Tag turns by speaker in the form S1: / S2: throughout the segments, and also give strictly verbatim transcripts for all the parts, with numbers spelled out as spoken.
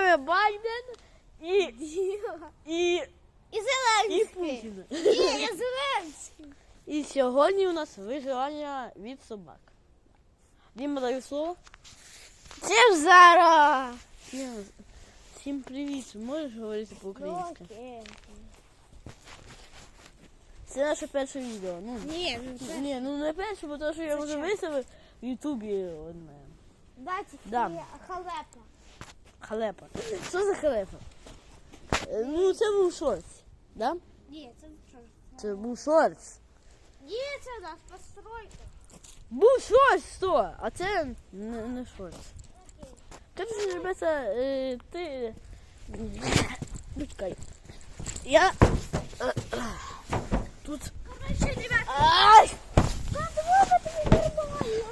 S1: вами Байден і... і...
S2: І Зеленський.
S1: І Путін.
S2: Ні, я Зеленський.
S1: І сьогодні у нас виживання від собак. Діма, даю слово.
S2: Це ж зараз.
S1: Діма, всім привіт. Можеш говорити по-українськи?
S2: Окей.
S1: Це наше перше відео. Ну,
S2: Ні, ну це...
S1: ні, ну не перше, бо то, що я
S2: Це
S1: вже
S2: що?
S1: виставив в Ютубі одне.
S2: Бачите,
S1: Да.
S2: є халепа.
S1: Халепа. Що за халепа? Е, Ну, це був шортс, да?
S2: Ні, це що?
S1: Це був шортс.
S2: Ні, це у нас постройка.
S1: Був шортс, сто, а це не, не шортс. Короче, ребята, е, ти... Ну, чекай. Я... е, Тут...
S2: Короче, ребята,
S1: Ай!
S2: как много тобі нормально.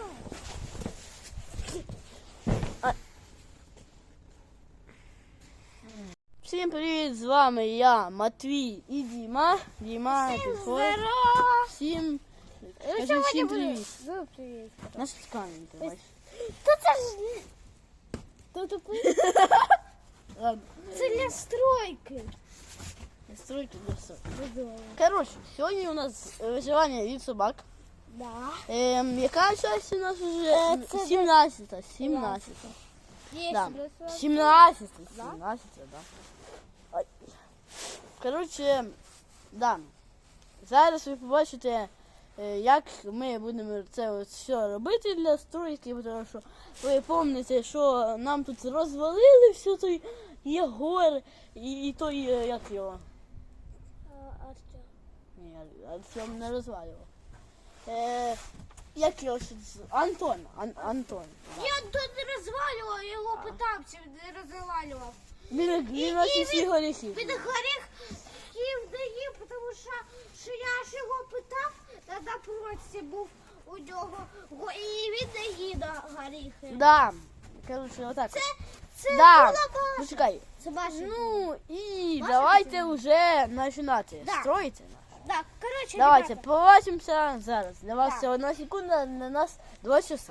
S1: Всім привіт, з вами я, Матвій і Діма. Діма,
S2: Всім
S1: підходь.
S2: здорово.
S1: Всім...
S2: Ну,
S1: Кажи
S2: сьогодні
S1: всім
S2: буде-
S1: привіт.
S2: Ну, привіт.
S1: Наш камінь, ти бачиш.
S2: Та це ж... Та тупий.
S1: Ладно.
S2: Це для стройки.
S1: Стройки для все.
S2: Чудово.
S1: Коротше, сьогодні у нас виживання від собак.
S2: Да.
S1: Ем, яка часть у нас вже?
S2: Е, це
S1: сімнадцята. сімнадцята.
S2: Є
S1: Да.
S2: сімнадцята.
S1: сімнадцята.
S2: Да?
S1: сімнадцята, да. Ой. Коротше, да. Зараз ви побачите, е, як ми будемо це от все робити для стройки, тому що ви пам'ятаєте, що нам тут розвалили все той Єгор і, і той, е, як його?
S2: Артем.
S1: Ні, Артем не розвалював. Е, як його ще з- Антон. Ан, Антон. Да.
S2: Я тут не розвалював, я його питав, чи не розвалював.
S1: Він, він наші всі горіхи.
S2: Він горіх їв не їв, тому що, що я ж його питав, на напроці був у нього, го- і він не їв на горіхи.
S1: Да. Коротше, отак.
S2: Це, це
S1: Да.
S2: була ваша.
S1: Почекай.
S2: Це ваша.
S1: Ну і
S2: Ваша
S1: давайте
S2: дитина.
S1: вже починати.
S2: Да.
S1: Строїти.
S2: Так, коротше,
S1: Давайте,
S2: ребята,
S1: побачимося зараз. Для вас
S2: Да.
S1: це одна секунда, на нас два часа.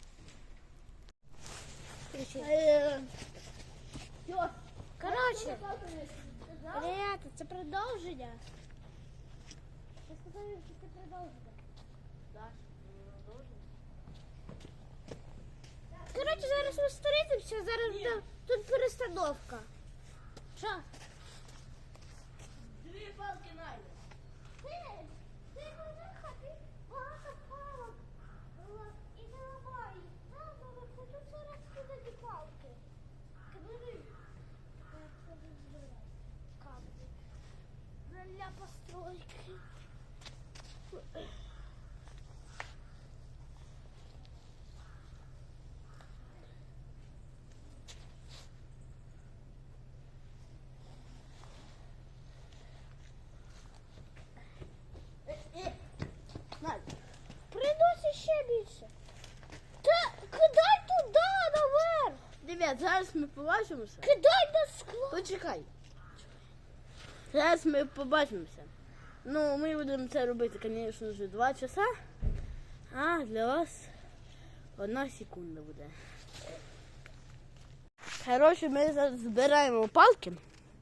S2: коротше, ребята, це продовження. Я сказав, що це продовження. Коротше, зараз ми зустрінемося, зараз буде тут перестановка. Що?
S1: Дві палки найде.
S2: Ти, ти Григорка, ти багато палок. І не ламай. Там, але хочу зараз кидати палки. Кидай. Камні. Для постройки.
S1: Найде.
S2: Приносить ще більше. Та кидай туди, наверх.
S1: Ребят, зараз ми побачимося.
S2: Кидай на скло.
S1: Почекай. Зараз ми побачимося. Ну, ми будемо це робити, звісно ж, два часа. А для вас одна секунда буде. Коротше, ми зараз збираємо палки.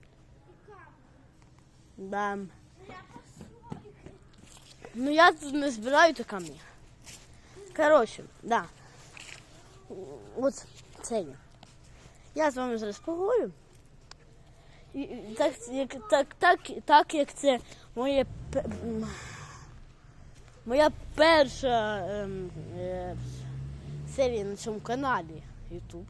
S1: Да. Ну я тут не збираю то камні. Коротше, да. От це я. Я з вами зараз поговорю. І, і так, як, так, так, так як це моє, пе- м, моя перша ем, е, серія на цьому каналі YouTube.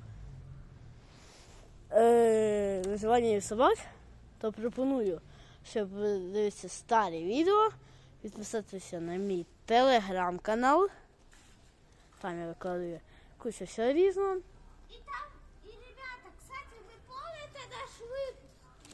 S1: Е, виживання від собак, то пропоную, щоб ви дивитися старі відео, підписатися на мій телеграм-канал. Там я викладаю кучу всього різного.
S2: І там, і, ребята, кстати, ви помните наш випуск?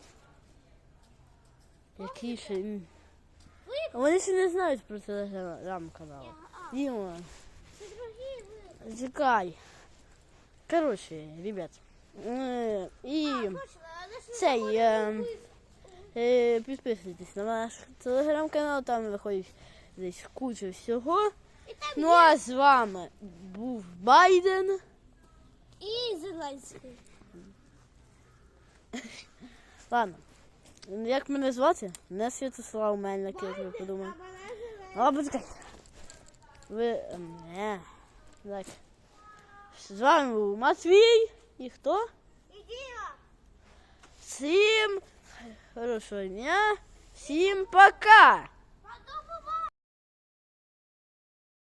S1: Який ще... м, Вони ще не знають про телеграм-канал.
S2: А,
S1: Діма,
S2: це другий випуск.
S1: чекай. Коротше, ребят. е, І
S2: А, точно, але ж ви
S1: цей...
S2: говорили
S1: е,
S2: випуск.
S1: е, Підписуйтесь на наш телеграм-канал, там виходить десь куча всього.
S2: І там
S1: Ну
S2: є
S1: а з вами був Байден.
S2: і Зеленський.
S1: Ладно. Як мене звати? Не Святослав Мельник, як ви подумали.
S2: А мене живе.
S1: А, почекайте. Ви... ем, Не. Так. З вами був Матвій. І хто?
S2: І Діма.
S1: Всім хорошого дня. Всім пока.